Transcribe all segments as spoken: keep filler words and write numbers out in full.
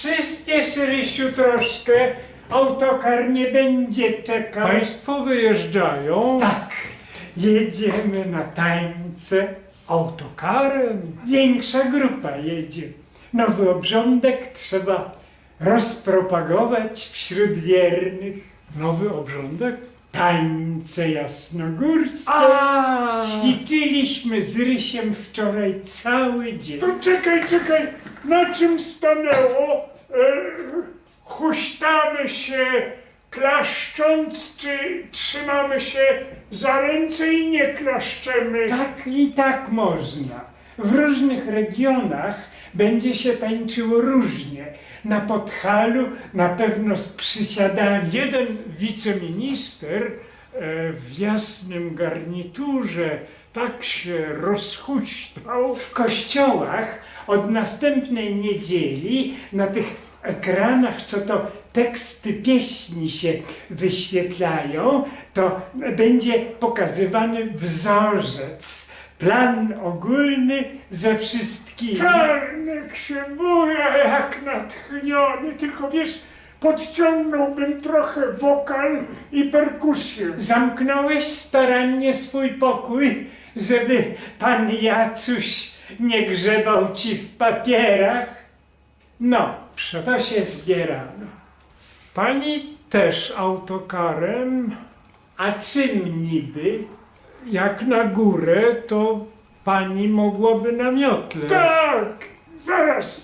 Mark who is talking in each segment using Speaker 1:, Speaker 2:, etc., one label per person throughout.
Speaker 1: Przyspiesz, Rysiu, troszkę. Autokar nie będzie czekał.
Speaker 2: Państwo wyjeżdżają
Speaker 1: Tak, jedziemy na tańce.
Speaker 2: autokarem.
Speaker 1: Większa grupa jedzie. Nowy obrządek trzeba rozpropagować wśród wiernych.
Speaker 2: Nowy obrządek?
Speaker 1: Tańce jasnogórskie.
Speaker 2: A,
Speaker 1: Ćwiczyliśmy z Rysiem wczoraj cały dzień.
Speaker 3: To czekaj, czekaj, na czym stanęło? E, huśtamy się klaszcząc, czy trzymamy się za ręce i nie klaszczemy?
Speaker 1: Tak i tak można. W różnych regionach będzie się tańczyło różnie. Na Podhalu na pewno z przysiadami.
Speaker 2: jeden wiceminister e, w jasnym garniturze tak się rozhuśtał.
Speaker 1: W kościołach od następnej niedzieli na tych ekranach, co to teksty pieśni się wyświetlają, to będzie pokazywany wzorzec. Plan ogólny ze wszystkimi.
Speaker 3: Czarnek się buja jak natchniony, tylko wiesz, podciągnąłbym trochę wokal i perkusję.
Speaker 1: Zamknąłeś starannie swój pokój, żeby pan Jacuś nie grzebał ci w papierach? No, to się zbierano.
Speaker 2: Pani też autokarem.
Speaker 1: A czym niby?
Speaker 2: Jak na górę, to pani mogłaby na miotle.
Speaker 3: Tak, zaraz.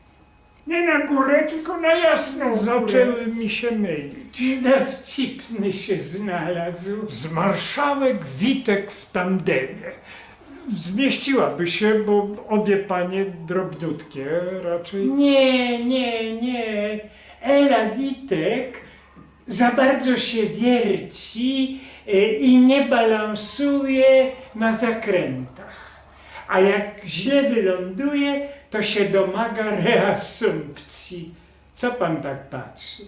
Speaker 3: Nie na górę, tylko na jasną górę.
Speaker 2: Zaczęły mi się mylić.
Speaker 1: Dowcipny się znalazł.
Speaker 2: Z marszałek Witek w tandemie. Zmieściłaby się, bo obie panie drobniutkie raczej.
Speaker 1: Nie, nie, nie. Ela Witek za bardzo się wierci y, i nie balansuje na zakrętach. A jak źle wyląduje, to się domaga reasumpcji. Co pan tak patrzy?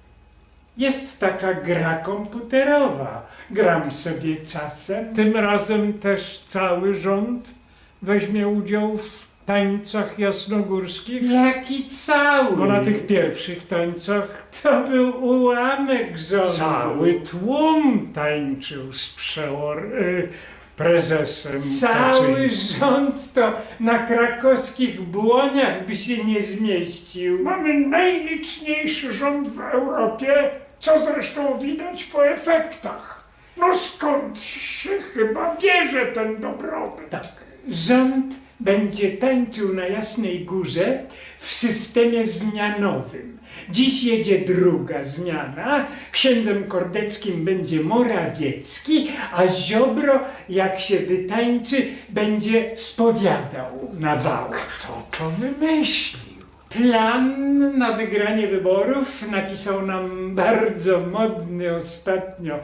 Speaker 1: Jest taka gra komputerowa. Gram sobie czasem.
Speaker 2: Tym razem też cały rząd weźmie udział w tańcach jasnogórskich.
Speaker 1: Jaki cały?
Speaker 2: Bo na tych pierwszych tańcach
Speaker 1: To był ułamek rządu.
Speaker 2: cały tłum tańczył z przełor... Y, prezesem
Speaker 1: Cały
Speaker 2: Kaczyńskim.
Speaker 1: rząd to na krakowskich błoniach by się nie zmieścił.
Speaker 3: Mamy najliczniejszy rząd w Europie, co zresztą widać po efektach. No skąd się chyba bierze ten dobrobyt?
Speaker 1: Tak, rząd będzie tańczył na Jasnej Górze w systemie zmianowym. Dziś jedzie druga zmiana, księdzem Kordeckim będzie Morawiecki, a Ziobro, jak się wytańczy, będzie spowiadał na wałach.
Speaker 2: Kto to wymyślił?
Speaker 1: Plan na wygranie wyborów napisał nam bardzo modny ostatnio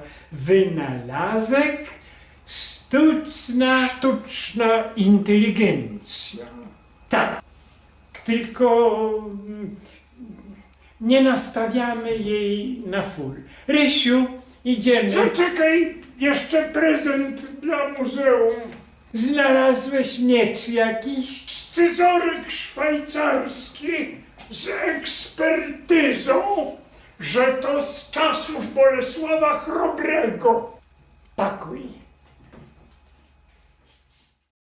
Speaker 1: wynalazek, sztuczna...
Speaker 2: Sztuczna inteligencja.
Speaker 1: Tak, tylko mm, nie nastawiamy jej na full. Rysiu, idziemy.
Speaker 3: Zaczekaj, jeszcze prezent dla muzeum.
Speaker 1: Znalazłeś miecz jakiś?
Speaker 3: Scyzoryk szwajcarski z ekspertyzą, że to z czasów Bolesława Chrobrego.
Speaker 1: Pakuj.